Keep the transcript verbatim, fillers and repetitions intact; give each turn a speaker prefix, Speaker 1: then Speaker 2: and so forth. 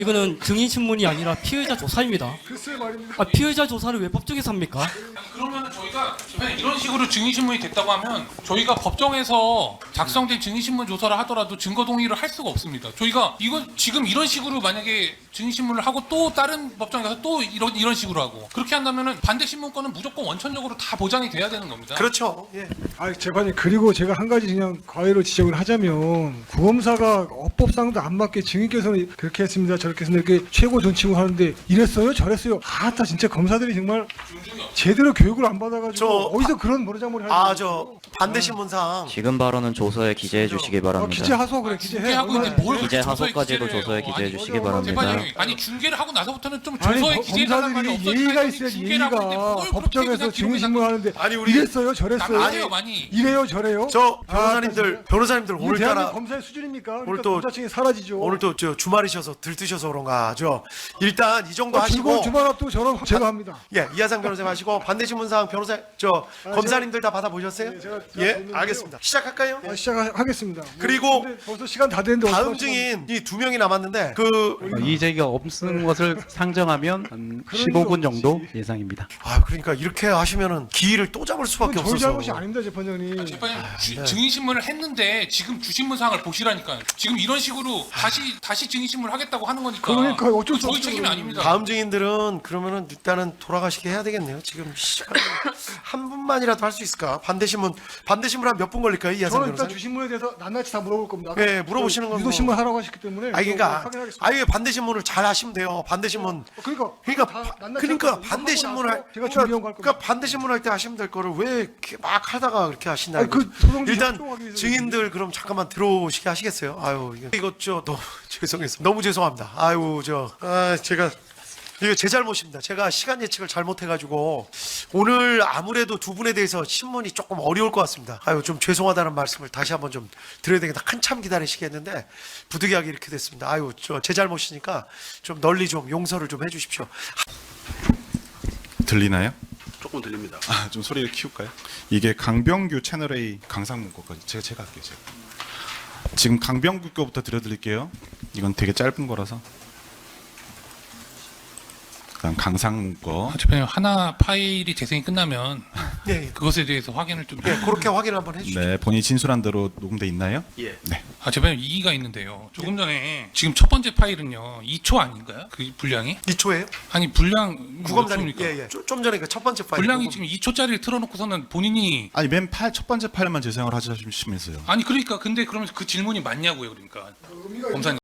Speaker 1: 이거는 증인 신문이 아니라 피의자 조사입니다.
Speaker 2: 글쎄 말입니다.
Speaker 1: 아, 피의자 조사를 왜 법정에서 합니까?
Speaker 3: 그러면 저희가 그냥 이런 식으로 증인신문이 됐다고 하면 저희가 법정에서 작성된 증인신문 조사를 하더라도 증거 동의를 할 수가 없습니다. 저희가 이건 지금 이런 식으로 만약에 증인신문을 하고 또 다른 법정에 가서 또 이런 이런 식으로 하고 그렇게 한다면은 반대 신문권은 무조건 원천적으로 다 보장이 돼야 되는 겁니다.
Speaker 4: 그렇죠. 예.
Speaker 2: 아, 재판이 그리고 제가 한 가지 그냥 과외로 지적을 하자면 구검사가 어법상도 안 맞게 증인께서는 그렇게 했습니다, 저렇게 했습니다, 이렇게 최고 존칭을 하는데 이랬어요, 저랬어요. 아따 진짜 검사들이 정말 제대로 교육을 안 받아가지고
Speaker 4: 저
Speaker 2: 어디서 그런 모르장머리 하는
Speaker 4: 아, 저 반대 신문상
Speaker 5: 지금 발언은 조서에 기재해 주시기
Speaker 2: 어,
Speaker 5: 바랍니다.
Speaker 2: 기재 하소 그래, 기재해.
Speaker 3: 중계하고 있는데 뭘
Speaker 5: 기재
Speaker 3: 조서에
Speaker 5: 하소까지도
Speaker 3: 기재를
Speaker 5: 조서에
Speaker 3: 해요.
Speaker 5: 기재해
Speaker 3: 아니,
Speaker 5: 주시기
Speaker 3: 뭐,
Speaker 5: 바랍니다.
Speaker 3: 재판장님, 아니 중계를 하고 나서부터는 좀
Speaker 2: 아니,
Speaker 3: 조서에
Speaker 2: 거-
Speaker 3: 기재해달라는 말이
Speaker 2: 검사들이
Speaker 3: 없었어요.
Speaker 2: 예의가 있어야지. 예의가 법정에서 증인신문 하는데
Speaker 4: 아니, 우리
Speaker 2: 이랬어요, 저랬어요.
Speaker 3: 남아세요 많이.
Speaker 2: 이래요, 저래요.
Speaker 4: 저
Speaker 2: 아,
Speaker 4: 변호사님들 변호사님들
Speaker 2: 이게
Speaker 4: 오늘따라
Speaker 2: 대한민국 검사의 수준입니까?
Speaker 4: 오늘
Speaker 2: 그러니까
Speaker 4: 또-
Speaker 2: 검사층이 사라지죠.
Speaker 4: 오늘 또 저 주말이셔서 들뜨셔서 그런가 저 일단 이 정도
Speaker 2: 어, 즐거운
Speaker 4: 하시고
Speaker 2: 주말 앞두고 저는 제가 합니다.
Speaker 4: 예 이하상 변호사님 하시고 반대 신문상 변호사 저
Speaker 2: 아,
Speaker 4: 검사님들 다 받아보셨어요?
Speaker 2: 네, 제가- 제가
Speaker 4: 예
Speaker 2: 봤는데요.
Speaker 4: 알겠습니다. 시작할까요?
Speaker 2: 아, 시작하겠습니다.
Speaker 4: 그리고
Speaker 2: 근데 벌써 시간 다 됐는데
Speaker 4: 다음
Speaker 2: 어떡하지?
Speaker 4: 증인 이 두 명이 남았는데 그
Speaker 6: 어, 이의제기가 없는 것을 상정하면 한
Speaker 2: 그런
Speaker 6: 십오 분
Speaker 2: 일
Speaker 6: 정도
Speaker 2: 없지.
Speaker 6: 예상입니다.
Speaker 4: 아 그러니까 이렇게 하시면은 기일을 또 잡을 수밖에
Speaker 2: 그건 저희
Speaker 4: 없어서
Speaker 2: 잘못이 아닙니다, 재판장님.
Speaker 3: 재판장님 주-
Speaker 4: 네.
Speaker 3: 증인신문을 했는데 지금 주신문상을 보시라니까요. 지금 이런 식으로 다시 다시 증인신문을 하겠다고 하는 거니까.
Speaker 2: 그러니까 어쩔 수
Speaker 3: 저희
Speaker 2: 없죠,
Speaker 3: 책임이
Speaker 2: 그러면.
Speaker 3: 아닙니다.
Speaker 4: 다음 증인들은 그러면은 일단은 돌아가시게 해야 되겠네요. 지금 시간 한 분만이라도 할 수 있을까? 반대 신문 반대 신문 한 몇 분 걸릴까요, 이하상
Speaker 2: 저는 일단
Speaker 4: 변호사님?
Speaker 2: 주신문에 대해서 낱낱이 다 물어볼 겁니다.
Speaker 4: 예, 물어보시는 건
Speaker 2: 유도신문 하라고 하셨기 때문에
Speaker 4: 아니 그러니까
Speaker 2: 확인하겠습니다.
Speaker 4: 아예 반대 신문을 잘 하시면 돼요. 반대 신문.
Speaker 2: 그러니까
Speaker 4: 그러니까
Speaker 2: 다
Speaker 4: 바-
Speaker 2: 낱낱이
Speaker 4: 그러니까
Speaker 2: 할 거예요.
Speaker 4: 반대
Speaker 2: 이거
Speaker 4: 신문
Speaker 2: 하고
Speaker 4: 할
Speaker 2: 나서 제가 준비한 거할
Speaker 4: 그러니까,
Speaker 2: 겁니다.
Speaker 4: 반대 신문 할 때 하시면 될 거를 왜 이렇게 막 하다가 그렇게 하시나?
Speaker 2: 아니, 그 소송지
Speaker 4: 일단
Speaker 2: 협조하기 위해서
Speaker 4: 증인들 그럼 잠깐만 들어오시게 하시겠어요? 아유 이거 이거 저 너무 죄송해서 너무 죄송합니다. 아유 저 아, 제가 이거 제 잘못입니다. 제가 시간 예측을 잘못해가지고 오늘 아무래도 두 분에 대해서 신문이 조금 어려울 것 같습니다. 아유 좀 죄송하다는 말씀을 다시 한번 좀 드려야 되겠다. 한참 기다리시겠는데 부득이하게 이렇게 됐습니다. 아유 저 제 잘못이니까 좀 널리 좀 용서를 좀 해주십시오.
Speaker 7: 들리나요?
Speaker 8: 조금 들립니다.
Speaker 7: 아, 좀 소리를 키울까요? 이게 강병규 채널 A 강상문 거까지 제가 제가 할게요. 제가. 지금 강병규 거부터 들려드릴게요. 이건 되게 짧은 거라서. 그다음 강상문 거.
Speaker 3: 아, 재판장님 하나 파일이 재생이 끝나면
Speaker 4: 네,
Speaker 3: 그것에 대해서 확인을 좀.
Speaker 4: 예, 그렇게 확인 한번 해주시죠.
Speaker 7: 네, 본인이 진술한 대로 녹음돼 있나요?
Speaker 8: 예.
Speaker 7: 네.
Speaker 3: 아 재판장님 이의가 있는데요. 조금 전에 지금 첫 번째 파일은요 이 초 아닌가요? 그 분량이?
Speaker 4: 이 초예요?
Speaker 3: 아니 분량
Speaker 4: 구검장님,
Speaker 3: 몇 초입니까?
Speaker 4: 예, 예. 좀, 좀 전에 그 첫 번째 파일.
Speaker 3: 분량이
Speaker 4: 녹음.
Speaker 3: 지금 이 초짜리를 틀어놓고서는 본인이
Speaker 7: 아니 맨 팔 첫 번째 파일만 재생을 하시면서요.
Speaker 3: 아니 그러니까 근데 그러면 그 질문이 맞냐고요, 그러니까 검사님.